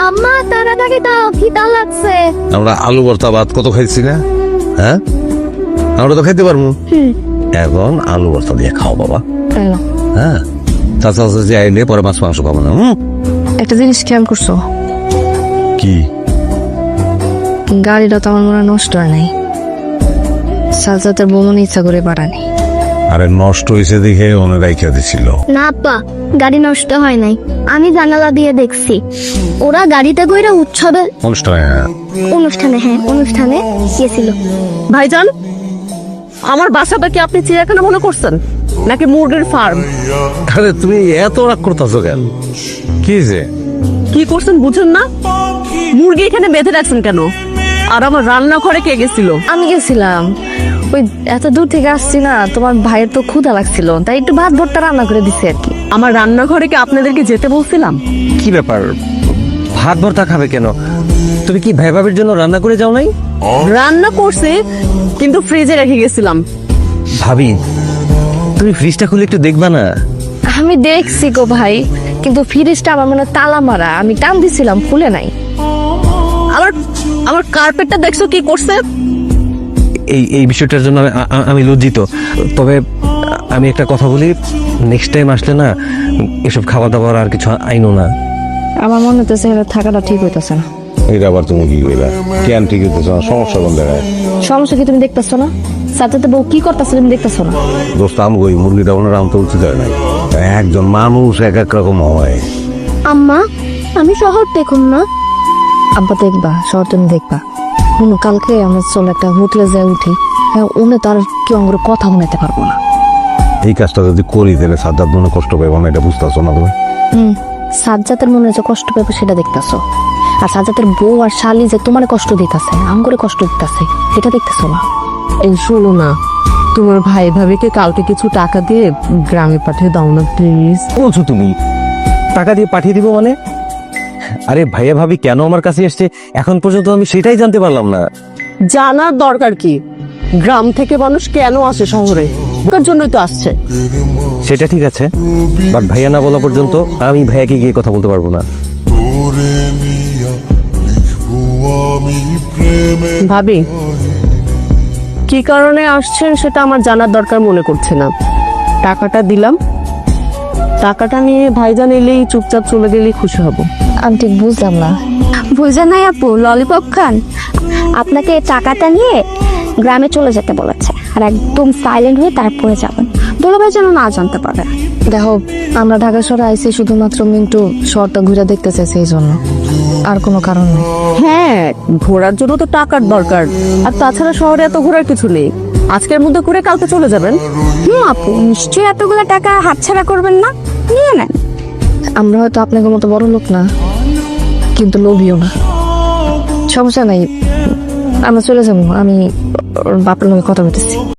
আম্মা তাড়াতাড়ি দাও, খিদা লাগছে। আমরা আলু ভর্তা ভাত কত খাইছি না? হ্যাঁ, আমরা তো খাইতে পারবো। এখন আলু ভর্তা দিয়ে খাও বাবা। হ্যাঁ, তাছাড়া যে আইলে পরে মাছ মাংস খাবো না। একটা জিনিস খেয়াল করছো, কি? গাড়িটা তো আমার মনে হয় নষ্ট হয় নাই। সাজাতের বমন ইচ্ছা করে পাঠানি। আরে নষ্ট হয়েছে দেখে অনেক রাইখা দিছিল। না আব্বা, গাড়ি নষ্ট হয় নাই, আমি জানালা দিয়ে দেখছি। ওরা গাড়িতে কইরা অনুষ্ঠানে গেছিল। ভাইজান, আমার বাসাটা কি আপনি চিড়িয়াখানা মনে করছেন নাকি মুরগির ফার্ম? আরে তুমি এত রাগ করতেছো কেন? কি যে কি করছেন বুঝেন না? মুরগি এখানে বেঁধে রাখছেন কেন? আর আমার রান্নাঘরে কে গেছিল? আমি গেছিলাম, ওই এত দূর থেকে আসছি না, তোমার ভাইয়ের তো ক্ষুধা লাগছিল, তাই একটু ভাত ভর্তা রান্না করে দিছে আর কি। আমার রান্নাঘরে কি আপনাদেরকে যেতে বলছিলাম? কি ব্যাপার, ভাত ভর্তা খাবে কেন? তুমি কি ভাই ভাবির জন্য রান্না করে যাও নাই? রান্না করছে, কিন্তু ফ্রিজে রেখে গেছিলাম। ভাবি, তুমি ফ্রিজটা খুলে একটু দেখবা না? আমি দেখছি গো ভাই, কিন্তু ফ্রিজটা আমার মনে হয় তালা মারা, আমি টান দিছিলাম, খুলে নাই। আমার আমার কার্পেটটা দেখছো কি করছে? এই বিষয়টার জন্য আমি লজ্জিত। তবে আমি একটা কথা বলি, নেক্সট টাইম আসলে না এসব খাওয়া দাওয়ার আর কিছু আইনো না। আমার মনে হতেছে এবার থাকাটা ঠিক হইতেছে না। এটা আবার তুমি কি কইলা? কেন ঠিক হইতেছ না? সমস্যা কোন জায়গায়? সমস্যা কি তুমি দেখতেছো না? সাথে বউ কি করতেছে তুমি দেখতেছো না? দোস্ত, আমি ওই মুরগিটা ওনার আনতে উচিত হয় নাই। একজন মানুষ এক এক রকম হয়। আম্মা, আমি শহর দেখুন না। আব্বা দেখবা, শহর তুমি দেখবা। শুনো, কালকে আমরা চলো একটা হোটেলে যাই উঠি, হ্যাঁ, উনি তার কেউ আমার কথা শুনাইতে পারবো না। এই কাজটা যদি করি তাহলে সাজ্জাদ মনে কষ্ট পাইব না, এটা বুঝতেছো না তুমি? সাজ্জাতের মনে যে কষ্ট পাবে সেটা দেখতেছো, আর সাজ্জাতের বউ আর শালি যে তোমার কষ্ট দিতেছে, আম করে কষ্ট দিতেছে, সেটা দেখতেছো না। এই শোনো না, তোমার ভাই ভাবিকে কালকে কিছু টাকা দিয়ে গ্রামে পাঠিয়ে দাও না প্লিজ। বলছো তুমি টাকা দিয়ে পাঠিয়ে দিব মানে? আরে ভাইয়া ভাবি কেন আমার কাছে এসছে এখন পর্যন্ত আমি সেটাই জানতে পারলাম না। জানার দরকার কি? গ্রাম থেকে মানুষ কেন আসে শহরে? ওর জন্যই তো আসছে। সেটা ঠিক আছে, বাট ভাইয়া না বলা পর্যন্ত আমি ভাইয়াকে গিয়ে কথা বলতে পারবো না। ভাবি কি কারণে আসছেন সেটা আমার জানার দরকার মনে করছে না। টাকাটা দিলাম, টাকাটা নিয়ে ভাইজান এলেই চুপচাপ চলে গেলেই খুশি হব। আমি ঠিক বুঝলাম না। বুঝে নাই আপু, ললিপপ খান। আপনাকে টাকাটা নিয়ে গ্রামে চলে যেতে বলেছে, আর একদম সাইলেন্ট হয়ে তারপরে যাবেন, দুলাভাই যেন না জানতে পারে। দেখো, আমরা ঢাকা শহরে আইছি শুধুমাত্র মিন্টু শহরটা ঘুরে দেখতে চাইছে, এই জন্য, আর কোনো কারণ নেই। হ্যাঁ, ঘোরার জন্য তো টাকার দরকার, আর তাছাড়া শহরে এত ঘোরার কিছু নেই। আজকের মধ্যে ঘুরে কালকে চলে যাবেন। আপু নিশ্চয়ই এতগুলো টাকা হাতছাড়া করবেন না, নিয়ে নেন। আমরা হয়তো আপনাদের মতো বড় লোক না, কিন্তু লোভীও না। সমস্যা নাই, আমরা চলে যাবো, আমি ওর বাপের লগে কথা বলতেছি।